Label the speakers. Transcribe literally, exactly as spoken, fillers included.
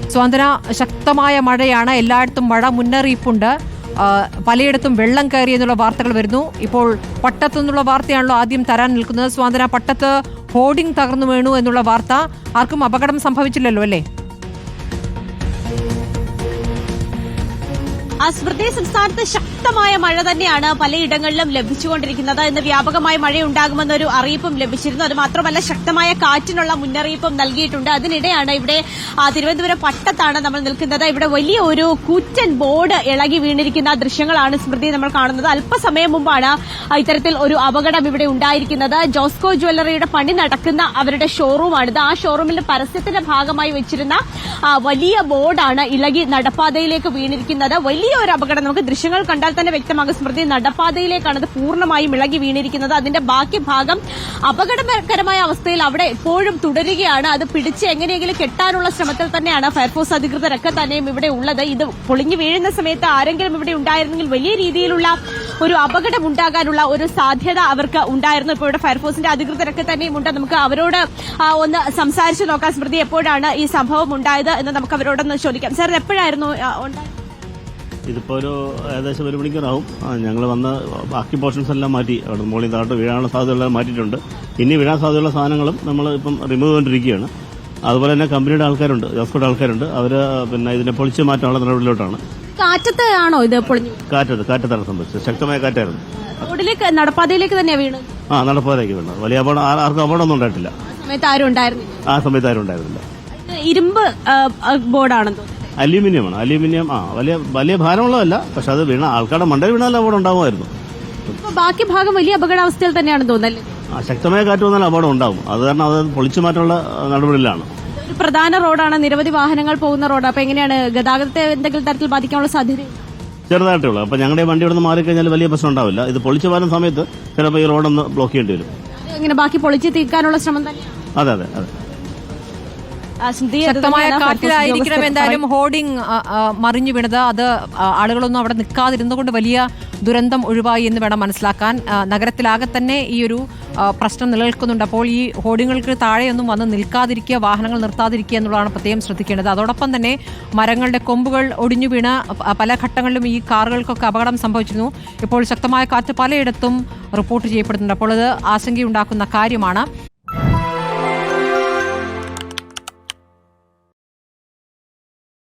Speaker 1: സ്വാതന്ത്ര്യ ശക്തമായ മഴയാണ്, എല്ലായിടത്തും മഴ മുന്നറിയിപ്പുണ്ട്. പലയിടത്തും വെള്ളം കയറി എന്നുള്ള വാർത്തകൾ വരുന്നു. ഇപ്പോൾ പട്ടത്തു നിന്നുള്ള വാർത്തയാണല്ലോ ആദ്യം തരാൻ നിൽക്കുന്നത്. സ്വാതന്ത്ര്യ, പട്ടത്ത് ഹോർഡിംഗ് തകർന്നു വീണു എന്നുള്ള വാർത്ത. ആർക്കും അപകടം സംഭവിച്ചില്ലല്ലോ അല്ലേ?
Speaker 2: സ്മൃതി, സംസ്ഥാനത്ത് ശക്തമായ മഴ തന്നെയാണ് പലയിടങ്ങളിലും ലഭിച്ചുകൊണ്ടിരിക്കുന്നത്. ഇന്ന് വ്യാപകമായ മഴയുണ്ടാകുമെന്നൊരു അറിയിപ്പും ലഭിച്ചിരുന്നു. അത് മാത്രമല്ല ശക്തമായ കാറ്റിനുള്ള മുന്നറിയിപ്പും നൽകിയിട്ടുണ്ട്. അതിനിടെയാണ് ഇവിടെ തിരുവനന്തപുരം പട്ടത്താണ് നമ്മൾ നിൽക്കുന്നത്. ഇവിടെ വലിയ ഒരു കൂറ്റൻ ബോർഡ് ഇളകി വീണിരിക്കുന്ന ദൃശ്യങ്ങളാണ് സ്മൃതി നമ്മൾ കാണുന്നത്. അല്പസമയം മുമ്പാണ് ഇത്തരത്തിൽ ഒരു അപകടം ഇവിടെ ഉണ്ടായിരിക്കുന്നത്. ജോസ്കോ ജ്വല്ലറിയുടെ പണി നടക്കുന്ന അവരുടെ ഷോറൂമാണിത്. ആ ഷോറൂമിന്റെ പരസ്യത്തിന്റെ ഭാഗമായി വെച്ചിരുന്ന വലിയ ബോർഡാണ് ഇളകി നടപ്പാതയിലേക്ക് വീണിരിക്കുന്നത്. വലിയ ഒരു അപകടം നമുക്ക് ദൃശ്യങ്ങൾ കണ്ടാൽ തന്നെ വ്യക്തമാകും. സ്മൃതി, നടപ്പാതയിലേക്കാണ് അത് പൂർണ്ണമായും ഇളകി വീണിരിക്കുന്നത്. അതിന്റെ ബാക്കി ഭാഗം അപകടകരമായ അവസ്ഥയിൽ അവിടെ എപ്പോഴും തുടരുകയാണ്. അത് പിടിച്ച് എങ്ങനെയെങ്കിലും കെട്ടാനുള്ള ശ്രമത്തിൽ തന്നെയാണ് ഫയർഫോഴ്സ് അധികൃതരൊക്കെ തന്നെയും ഇവിടെ ഉള്ളത്. ഇത് പൊളിഞ്ഞു വീഴുന്ന സമയത്ത് ആരെങ്കിലും ഇവിടെ ഉണ്ടായിരുന്നെങ്കിൽ വലിയ രീതിയിലുള്ള ഒരു അപകടം ഉണ്ടാകാനുള്ള ഒരു സാധ്യത അവർക്ക് ഉണ്ടായിരുന്നു. ഇപ്പോൾ ഇവിടെ ഫയർഫോഴ്സിന്റെ അധികൃതരൊക്കെ തന്നെയും ഉണ്ട്. നമുക്ക് അവരോട് ഒന്ന് സംസാരിച്ചു നോക്കാം. സ്മൃതി, എപ്പോഴാണ് ഈ സംഭവം ഉണ്ടായത് എന്ന് നമുക്ക് അവരോടൊന്ന് ചോദിക്കാം. സാർ, എപ്പോഴായിരുന്നു ഉണ്ടായത്?
Speaker 3: ഇതിപ്പോൾ ഒരു ഏകദേശം ഒരു മണിക്കൂറാവും. ഞങ്ങൾ വന്ന് ബാക്കി പോർഷൻസ് എല്ലാം മാറ്റി, അവിടെ മുകളിൽ താഴോട്ട് വീഴാനുള്ള സാധ്യതകളെല്ലാം മാറ്റിയിട്ടുണ്ട്. ഇനി വീഴാൻ സാധ്യതയുള്ള സാധനങ്ങളും നമ്മൾ ഇപ്പം റിമൂവ് ചെയ്തുകൊണ്ടിരിക്കുകയാണ്. അതുപോലെ തന്നെ കമ്പനിയുടെ ആൾക്കാരുണ്ട്, ജോസ്കോയുടെ ആൾക്കാരുണ്ട്. അവർ പിന്നെ ഇതിനെ പൊളിച്ച് മാറ്റാനുള്ള നടപടിയിലോട്ടാണ്.
Speaker 2: കാറ്റത്ത് ആണോ ഇത് പൊളിഞ്ഞു?
Speaker 3: കാറ്റത്ത് കാറ്റത്താണ് സംഭവിച്ചത്. ശക്തമായ കാറ്റായിരുന്നു.
Speaker 2: റോഡിലേക്ക്, നടപ്പാതയിലേക്ക് തന്നെയാണ് വീണത്?
Speaker 3: ആ, നടപ്പാതയിലേക്ക് വീണത്. വലിയ അപകടം, ആർക്കും അപകടമൊന്നും ഉണ്ടായിട്ടില്ല.
Speaker 2: സമയത്ത് ആരും ഉണ്ടായിരുന്നില്ല?
Speaker 3: ആ സമയത്ത് ആരും ഉണ്ടായിരുന്നില്ല.
Speaker 2: ഇരുമ്പ് ബോർഡാണെന്ന് തോന്നുന്നു.
Speaker 3: അലൂമിനിയമാണ്. അലൂമിനിയം. ആ, വലിയ വലിയ ഭാരമുള്ളതല്ല. പക്ഷെ അത് വീണ ആൾക്കാരുടെ മണ്ടയിൽ വീണാൽ അപകടം ഉണ്ടാകുമായിരുന്നു.
Speaker 2: ബാക്കി ഭാഗം വലിയ അപകടാവസ്ഥയിൽ തന്നെയാണെന്ന് തോന്നല്ലേ?
Speaker 3: ആ, ശക്തമായ കാറ്റ് വന്നാൽ അപകടം ഉണ്ടാകും. അത് കാരണം അത് പൊളിച്ചു മാറ്റാനുള്ള നടപടിയിലാണ്.
Speaker 2: ഒരു പ്രധാന റോഡാണ്, നിരവധി വാഹനങ്ങൾ പോകുന്ന റോഡ്. അപ്പൊ എങ്ങനെയാണ് ഗതാഗതത്തെ എന്തെങ്കിലും തരത്തിൽ ബാധിക്കാനുള്ള സാധ്യത?
Speaker 3: ചെറുതായിട്ടേ ഉള്ളൂ. അപ്പൊ ഞങ്ങളുടെ വണ്ടി ഇവിടെ നിന്ന് മാറിക്കഴിഞ്ഞാൽ വലിയ പ്രശ്നം ഉണ്ടാവില്ല. ഇത് പൊളിച്ചു മാറുന്ന സമയത്ത് ചിലപ്പോൾ ഈ റോഡൊന്ന് ബ്ലോക്ക് ചെയ്യേണ്ടി വരും.
Speaker 2: എങ്ങനെ ബാക്കി പൊളിച്ച് തീർക്കാനുള്ള ശ്രമം തന്നെയാണ്?
Speaker 3: അതെ അതെ അതെ
Speaker 1: ശക്തമായ കാറ്റിലായിരിക്കണം എന്തായാലും ഹോർഡിംഗ് മറിഞ്ഞു വീണത്. അത് ആളുകളൊന്നും അവിടെ നിൽക്കാതിരുന്നുകൊണ്ട് വലിയ ദുരന്തം ഒഴിവായി എന്ന് വേണം മനസ്സിലാക്കാൻ. നഗരത്തിലാകെ തന്നെ ഈ ഒരു പ്രശ്നം നിലനിൽക്കുന്നുണ്ട്. അപ്പോൾ ഈ ഹോർഡിങ്ങുകൾക്ക് താഴെയൊന്നും വന്ന് നിൽക്കാതിരിക്കുക, വാഹനങ്ങൾ നിർത്താതിരിക്കുക എന്നുള്ളതാണ് പ്രത്യേകം ശ്രദ്ധിക്കേണ്ടത്. അതോടൊപ്പം തന്നെ മരങ്ങളുടെ കൊമ്പുകൾ ഒടിഞ്ഞു വീണ് പല ഘട്ടങ്ങളിലും ഈ കാറുകൾക്കൊക്കെ അപകടം സംഭവിച്ചിരുന്നു. ഇപ്പോൾ ശക്തമായ കാറ്റ് പലയിടത്തും റിപ്പോർട്ട് ചെയ്യപ്പെടുന്നുണ്ട്. അപ്പോൾ അത് ആശങ്കയുണ്ടാക്കുന്ന കാര്യമാണ്.